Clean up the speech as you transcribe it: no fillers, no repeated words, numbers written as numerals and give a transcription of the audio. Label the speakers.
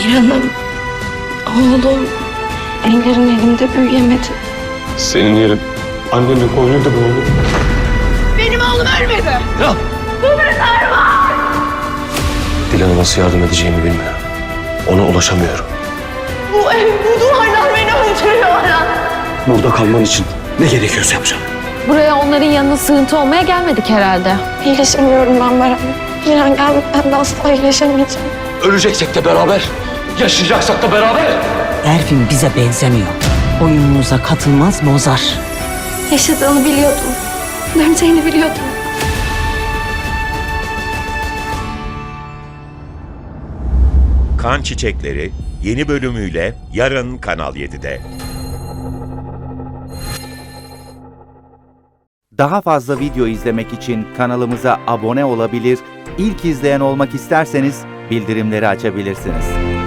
Speaker 1: Miran'ım, oğlum ellerin elimde büyüyemedi.
Speaker 2: Senin yerin annenin koynuydu bu oğlum.
Speaker 1: Benim oğlum ölmedi.
Speaker 2: Ya!
Speaker 1: Bu bir sarma!
Speaker 2: Dilan'a nasıl yardım edeceğimi bilmiyorum. Ona ulaşamıyorum.
Speaker 1: Bu ev, bu duvarlar beni öldürüyor Aras.
Speaker 2: Burada kalman için ne gerekiyorsa yapacağım.
Speaker 3: Buraya onların yanına sığıntı olmaya gelmedik herhalde.
Speaker 1: İyileşemiyorum ben Baran. Miran gelmeden de asla iyileşemeyeceğim.
Speaker 2: Öleceksek de beraber, yaşayacaksak da beraber.
Speaker 4: Erfin bize benzemiyor. Oyunumuza katılmaz, bozar.
Speaker 1: Yaşadığını biliyordum. Döneceğini biliyordum.
Speaker 5: Kan Çiçekleri yeni bölümüyle yarın Kanal 7'de.
Speaker 6: Daha fazla video izlemek için kanalımıza abone olabilir, ilk izleyen olmak isterseniz bildirimleri açabilirsiniz.